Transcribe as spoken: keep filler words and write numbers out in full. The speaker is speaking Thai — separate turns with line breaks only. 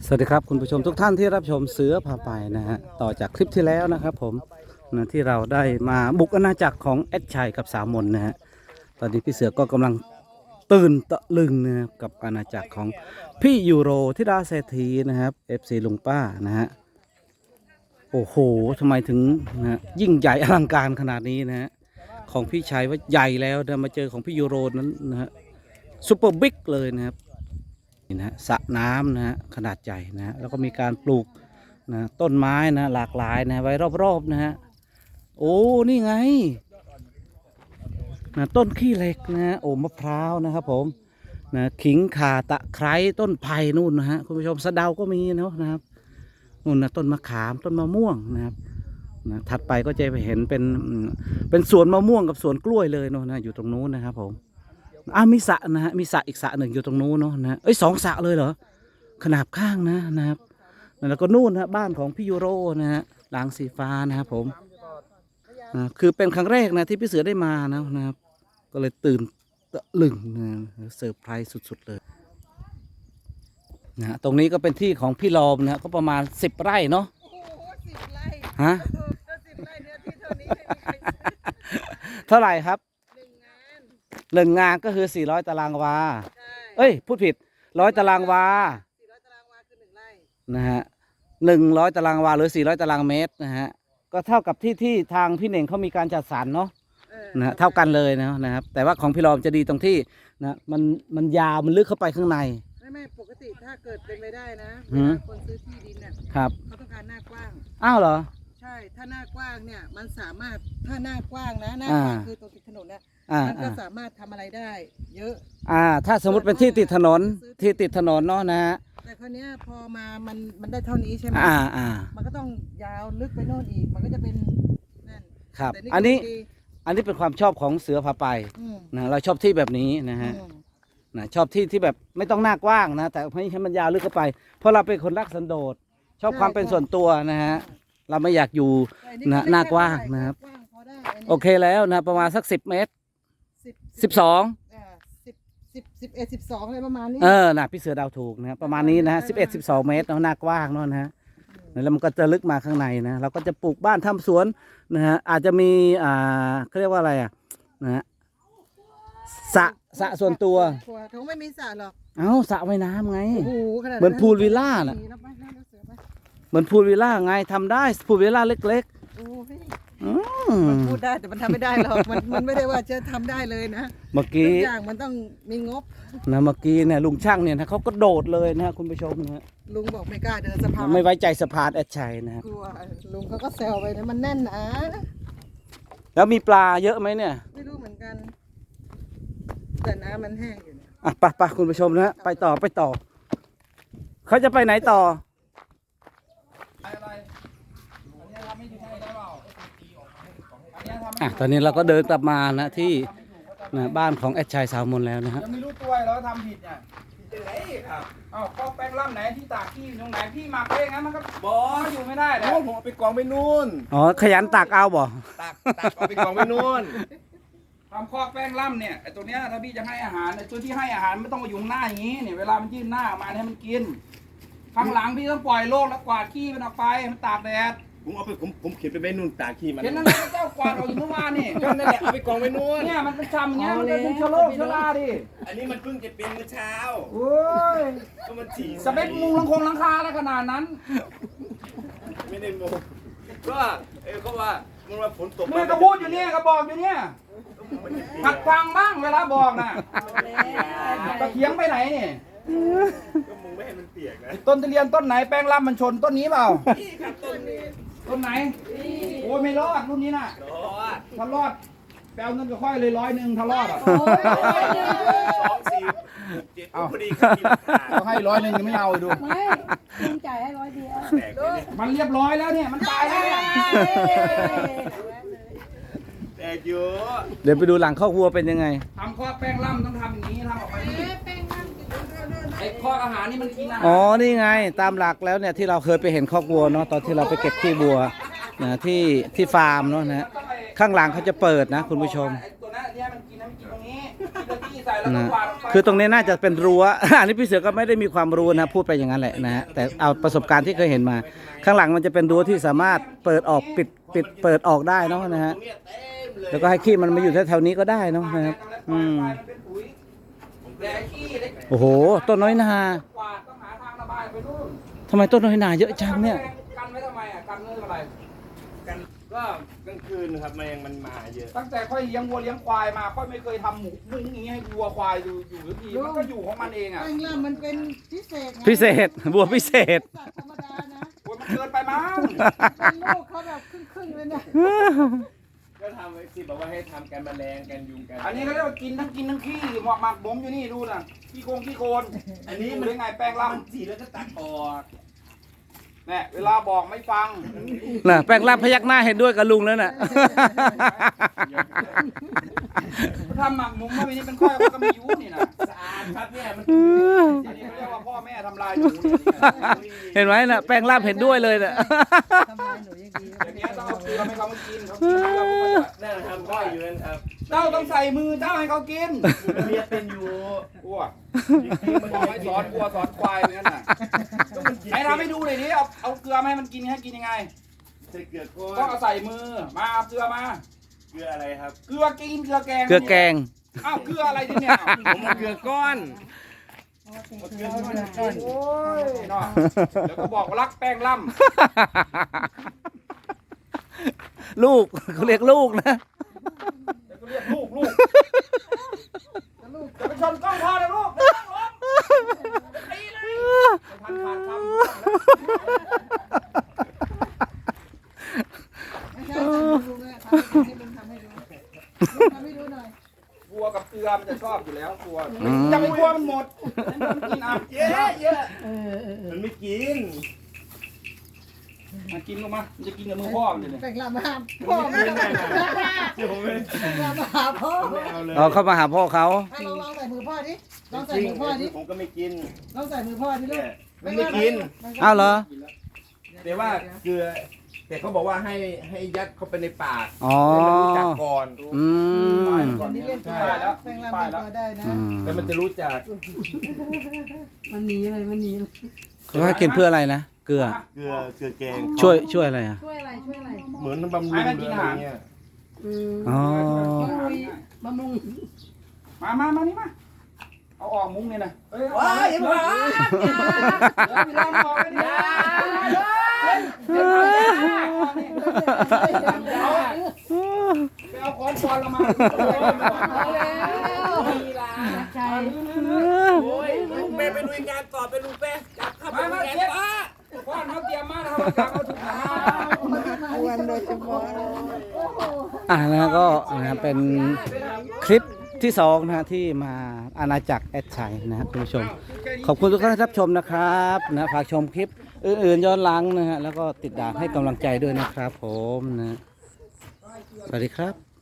สวัสดีครับคุณผู้ชมทุกท่านที่รับชมเสือพาไปนะฮะต่อจากคลิปที่แล้วนะครับผมนะที่เราได้มาบุกอาณาจักรของแอดชัยกับสาวมนนะฮะตอนนี้พี่เสือก็กำลังตื่นตะลึงนะครับกับอาณาจักรของพี่ยูโรธิดาเศรษฐีนะครับ เอฟ ซี ลุงป้านะฮะโอ้โหทำไมถึงนะยิ่งใหญ่อลังการขนาดนี้นะฮะของพี่ชัยว่าใหญ่แล้วนะมาเจอของพี่ยูโรนั้นนะฮะซุปเปอร์บิ๊กเลยนะครับนี่นะสระน้ำนะฮะขนาดใหญ่นะฮะแล้วก็มีการปลูกนะต้นไม้นะหลากหลายนะไว้รอบๆนะฮะโอ้นี่ไงนะต้นขี้เหล็กนะฮะโอ้มะพร้าวนะครับผมนะขิงข่าตะไคร้ต้นไผ่นู่นนะฮะคุณผู้ชมสะเดาก็มีเนาะนะครับนู่นนะต้นมะขามต้นมะม่วงนะครับนะถัดไปก็จะไปเห็นเป็นเป็นสวนมะม่วงกับสวนกล้วยเลยเนาะนะอยู่ตรงนู้นนะครับผมอ่ามีสระนะฮะมีสระอีกสระหนึ่งอยู่ตรงนู้นเนาะนะเอ้ยสองสระเลยเหรอขนาบข้างนะนะครับแล้วก็นู่นนะบ้านของพี่ยูโรนะฮะหลังสีฟ้านะครับผมนะคือเป็นครั้งแรกนะที่พี่เสือได้มานะนะครับก็เลยตื่นตะลึงนะเซอร์ไพรส์สุดๆเลยนะตรงนี้ก็เป็นที่ของพี่ลอมนะก็ประมาณสิบไร่เนาะ
โอ้โหสิบไร่
ฮะ
ก็สิบไร่เนื้อที่เท่านี้ไม่มีใครซื้อ
เท่าไหร่ครับ
หนึ่งงาน
หนึ่งงานก็คือสี่ร้อยตารางวา
ใช่
เอ้ยพูดผิดร้อยตารางวา
สี่ร้อยตารางวาคือหนึ่งไร่
นะฮะหนึ่งร้อยตารางวาหรือสี่ร้อยตารางเมตรนะฮะก็เท่ากับที่ที่ทางพี่เน่งเขามีการจัดสรรเนาะนะฮะเท่ากันเลยนะนะครับแต่ว่าของพี่ลอมจะดีตรงที่นะมันมันยาวมันลึกเข้าไปข้างใน
ไม่ไม่ปกติถ้าเกิดเป็นไปได้นะ
หื
เว
ม
ลาคนซื้อที่ดินเนี่ย
ครับ
เขาต้องการหน้ากว้าง
อ้าวเหรอ
ใช่ถ้าหน้ากว้างเนี่ยมันสามารถถ้าหน้ากว้างนะหน้า
อ่า
กว้างคือตรงติดถนนเนี่ย
อ่า
มันก็
อ่า
สามารถทำอะไรได้ เยอะ
อ่าถ้าสมมติเป็นที่ติดถนนที่ติดถนนเนาะนะฮะ
แต่คราวเนี้ยพอมามันมันได้เท่านี้ใช่ไหม
อ่าอ่า
มันก็ต้องยาวลึกไปโน่นอีกมันก็จะเป็นนั่น
ครับ
แต่
อันนี้
ก็ดี
อันนี้เป็นความชอบของเสือพาไป
อืม
นะเราชอบที่แบบนี้นะฮะ
อืม
นะชอบที่ที่แบบไม่ต้องหน้ากว้างนะแต่ให้ให้มันยาวลึกเข้าไปเพราะเราเป็นคนรักสันโดษชอบความเป็นส่วนตัวนะฮะเราไม่อยากอยู่ นะหน้ากว้างนะครับ
กว้างพอได้นนี้
โอเคแล้วนะประมาณสักสิบเมตร
สิบ
สิบสอง
อ่าสิบสิบสิบเอ็ดสิบสองอะไรประมาณนี้
เออนะพี่เสือเดาวถูกนะประมาณนี้นะฮะสิบเอ็ดสิบสองเมตรเนาะหน้ากว้างเนาะนะฮะแล้วมันก็จะลึกมาข้างในนะเราก็จะปลูกบ้านทำสวนนะฮะอาจจะมีอ่าเขาเรียกว่าอะไรอ่ะนะฮะสระสระส่วนตัว
ครัวเขาไม่มีสระหรอก
เอ้าสระว่ายน้ำไง
โอ้โหขนาด
เหมือนพูลวิลล่าน่ะ
มีแล้วไปแล้วเสือไป
เหมือนพูลวิลล่าไงทำได้พูลวิลล่าเล็ก
โอ้ย
ๆอื
มัน
ม
พูดได้แต่มันทำไม่ได้หรอกมันมันไม่ได้ว่าจะทำได้เลยนะ
เมื่อ
ทุ
กี้
กอย่างมันต้องมีงบ
นะเมื่อกี้เนี่ยลุงช่างเนี่ยนะเขาก็โดดเลยนะคุณผู้ชมนะฮะ
ลุงบอกไม่กล้าเดินสะพาน
ไม่ไว้ใจสะพานแอดชัยนะครับ
กลัวลุงเขาก็แซวไปนะมันแน่นนะ
แล้วมีปลาเยอะไหมเนี่ย
ไม่รู้เหมือนกัน แต่น้ำมันแห้งอยู่เนี่ย
อ่ะไปไปคุณผู้ชมนะฮะไปต่อไปต่อเขาจะไปไหนต่ออ่ะตอนนี้เราก็เดินกลับมานะที่นะบ้านของแอดชัยสาวมนแล้วนะฮะ
ยังไม่รู้ตัวเราทำผิดเนี่ยผิดอะไรครับอ้าวก็แป้งล่ำไหนที่ตากที่ตรงไหนพี่หมักไว้อย่างนั้นมันก็บออยู่ไม่ได้เลย
โอ้ผมเอาไปกองไปนู่น
อ๋อขยันตักเอาบ่
ตักตักเอาไปกองไปนู่น
ทำคอกแป้งล่ำเนี่ยไอ้ตัวเนี้ยถ้าพี่จะให้อาหารไอ้ตัวที่ให้อาหารไม่ต้องมาอยู่ข้างหน้าอย่างนี้เนี่ยเวลามันยื่นหน้ามาให้มันกินข้างหลังพี่ต้องปล่อยโลกแล้วกวาดขี้มันออกไปมันตากแดด
ผมเอาไปผมผมเขียนไปไว้นู่นตากขี้มัน
เห็นนั่นแหละเจ้ากวาดออกอยู่เมื่อวานนี่
ก็นั่นแหละเอาไปกองไปนู่น
เนี่ยมันเป็นชำอย่างเงี้ยมันเป็นเชื้อโรคเชื้อราดิ
อันนี้มันเพิ่งจะเป็นเมื่อเช้า
โอ้ย
ก็มันฉี่
สเปคมุงลังคงหลังคาแล้วขนาดนั้น
ไม่ได้โมก็เออก็ว่ามันว่าฝนตก
เมื่อก็พูดอยู่เนี่ยก็บอกอยู่เนี่ยหัดฟังบ้างเวลาบอกน่ะตะเคียงไปไหนเนี่ย
ก็มึงไม่ให้มันเปียกนะ
ต้นทุเรียนต้นไหนแป้งล่ำมันชนต้นนี้เปล่า
นี่ครับต้นนี้
ต้นไหนโอ้ยไม่รอดรุ่นนี้น่ะ
รอด
ถ้ารอดแปลเงินกับค่อยเลยร้อยหนึ่งถ้ารอดอ่ะ
สองสี่เจ็ดพอดีครับมีหลักฐาน
เขาให้ร้อยหนึ่งยังไม่เอาดู
ไม่ลุงจ่ายให้ร้อยเดียว
แตกเลยเนี่ย
มันเรียบร้อยแล้วเนี่ยมันตายแล้วเนี่ย
แตกเยอะ
เดี๋ยวไปดูหลังข้อกวัวเป็นยังไง
ทำข้อแป้งล่ำต้องทำอย่างนี้ทำออกไปนี่ไอ้ข้ออาหารนี่มันกินอาหาร
อ๋อนี่ไงตามหลักแล้วเนี่ยที่เราเคยไปเห็นคอกวัวเนาะตอนที่เราไปเก็บขี้วัวนะที่ที่ฟาร์มเนาะนะฮะข้างหลังเขาจะเปิดนะคุณผู้ชม
ไอ้ตัวนั้นเนี่ยมันกินนะมันกินตรงนี้นาทีใส่แล้วก็
นะ
กวาดออกไป
คือตรงนี้น่าจะเป็นรั้ว อันนี้พี่เสือก็ไม่ได้มีความรู้นะพูดไปอย่างนั้นแหละนะฮะแต่เอาประสบการณ์ที่เคยเห็นมา ข้างหลังมันจะเป็นรั้วที่สามารถเปิดออกปิดปิดเปิดออกได้เนาะนะฮะ
ตรงเนี้ยเต็มเลย
แล้วก็ให้ขี้มันมาอยู่แถวๆนี้ก็ได้เนาะนะครับอืม
มันเป็นปุ๋ยแต่ไอ้ขี้เล็ก
โอ้โหต้นน้อยนาก
วาดต้องหาทางระบายไปนู่น
ทำไมต้นน้อยนาเยอะจังเนี่ย
กันไว้ทำไมอ่ะกันเรื่องอะไร
กันก็กลางคืนครับแมงมันมาเยอะ
ตั้งแต่ค่อยเลี้ยงวัวเลี้ยงควายมาค่อยไม่เคยทำหมูมุ้งอย่างนี้ให้วัวควายอยู่อยู่ทุกทีมันก็อยู่ของมันเองอ่ะ
แป้งล่ำมันเป็นพิเศษไง
พิเศษบัวพิเศษ
สัตว์ธรรมดานะ
โอ้ยมันเกินไปมั้ง
เป็นลูกเขาแบบครึ่งๆเลยนะ
ก็ทำไว้สิบอกว่าให้ทำกันแมลงกันยุงกัน
อันนี้เขาเรียกว่ากินทั้งกินทั้งขี้หมอกหมักผมอยู่นี่ดูน่ะขี้โคงขี้โคน
อันนี้
ดู
มัน
ได้ไงแป้งล่
มันสีแล้วก็ตัดออก
ำเนี่ยเวลาบอกไม่ฟัง
น่ะแปลงร่างพยักหน้าเห็นด้วยกับลุงแล้วน่ะ
ทำหมักหมุมว่าวันนี้เป็นข้อยก็ไม่ยุ่นี่นะ
สะอาดครับเนี่ยมัน
อันนี้เขาเรียกว่าพ่อแม่ทำลายหนูเนี่ย
เห็นไหมน่ะแปลงร่างเห็นด้วยเลยน่ะ
ทำลายหนูยังดี
อย่างเงี้ยต้องเอาเกลือให้เขามากินเขากินแล้วเขาก็จะ
นั่นทำก้อยอยู่นั่นครับ
เจ้าต้องใส่มือเจ้าให้เขากิน
เรียนเป็นอยู่
อ้วกบอกให้สอนวัวสอนควายเหมือนกันน่ะให้ทำให้ดูหน่อยดิเอาเอาเกลือมาให้มันกินให้กินยังไง
ใส่เกลือก้
ต้อง
น
เอาใส่มือมาเอาเกลือมา
เกลืออะไรครับ
เกลือกินเกลือแกง
เกลือแกง
อ้าวเกลืออะไรที่เนี่ย
ผมเอาเกลือก้อน
โอ้ยเนาะเดี๋ยวก็บอกว่ารักแป้งล่
ลูกเขาเรียกลูกนะ
ำเดี๋ยวก็เรียกลูกลูกจะไปชนกล้องพ่อเลยลูกเดี๋ยวต้องล้มตีเลยพันขาดคำ
ไม่ใช่ทำให้ดูนะทำให้ลุงทำให้ดูทำให้ดูหน่อย
วัวกับเกลือมันจะชอบอยู่แล้ววัวจะไม่กลัวมันหมดมันกินอ่ะเยอะเยอะ
เออเออเออ
มันไม่กิน
มากินลงมามันจะกินกับมือพ่อมันเลยเนี่ย
แป้งล่ำมาหาพ่อไม่ต้อง
เดี๋ยวผมไม่
แป้งล่ำมาหาพ่อ
ไม่เอาเลย
เอาเข้ามาหาพ่อเขา
ให้ลองลองใส่มือพ่อดิลองใส่
จริง
มือพ่อดิ
ผมก็ไม่กิน
ลองใส่มือพ่อดิลู
เนี่
ก
ยมันไม่กิน
อ้าวเหรอ
แต่ว่าเกลือ แต่เขาบอกว่าให้ให้ยัดเข้าไปในปาก
อ๋อ
ให้มันรู้จักก่อน
อืม
ก่อนนี้เล่น
ใช่
ป้าย
แล้ว
แป้งล่ำเป็นตัวได้นะ
อืม
แล้วมันจะรู้จัก
มันหนีเลยมันหนีเลย
เขาให้กินเพื่ออะไรนะเกลือ
เกลือเกลือแกง
ช่วยช่วยอะไรอ่ะ
ช่วยอะไรช่วยอะไร
เหมือนบำรุงหรืออะไรเงี้ย
อืม
อ๋อ
บำรุง
มามามานี่มาเอาออกมุ้งเนี่ยนะเฮ้ย
ว้ายอย่ามา
เดี๋ยวพี่ลองออกไปดิไปเอาค้อนปอนเรามา
ใจ
โอ้ยลุงเป้ไปลุยงานต่อไปลุงเป้จับเข้าไป
มา
ลุ
มาย
งาน
เช็ด
ป้า
ค้อนเขาเตรียมมาแล้วเขาจับเอาถุงมา
วันโดยเฉพาะ
อ่านะก็นะเป็นคลิปที่สองนะฮะที่มาอาณาจักรแอดชัยนะฮะคุณผู้ชม ขอบคุณทุกท่านที่รับชมนะครับนะฝากชมคลิปอื่นๆย้อนหลังนะฮะแล้วก็ติดดาวให้กำลังใจด้วยนะครับผมนะสวัสดีครับ